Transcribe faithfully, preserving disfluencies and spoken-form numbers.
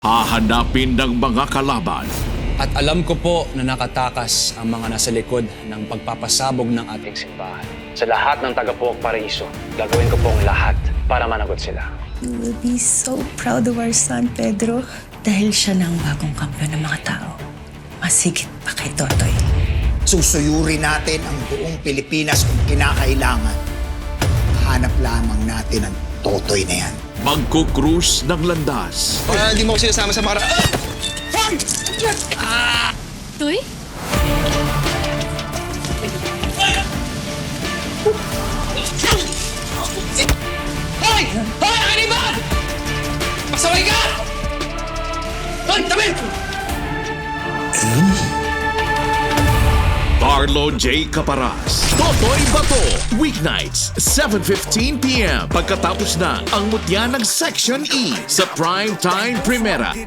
Hahanapin ng mga kalaban. At alam ko po na nakatakas ang mga nasa likod ng pagpapasabog ng ating simbahan. Sa lahat ng taga-Puok Paraiso, gagawin ko pong lahat para managot sila. You will be so proud of our son, Pedro. Dahil siya na ang bagong kampiyon ng mga tao. Masigit pa kay Totoy. Susuyurin natin ang buong Pilipinas kung kinakailangan. Hanap lamang natin ang Totoy na yan. Magkukrus ng landas. Para hindi mo ko sinasama sa para... Toy? Hoy! Hoy! Ang kaniban! Pasaway ka! Hoy! Tabi! Carlo J. Caparas. Totoy Bato. Weeknights, seven fifteen p m Pagkatapos na ang mutya ng Section E sa Primetime Primera.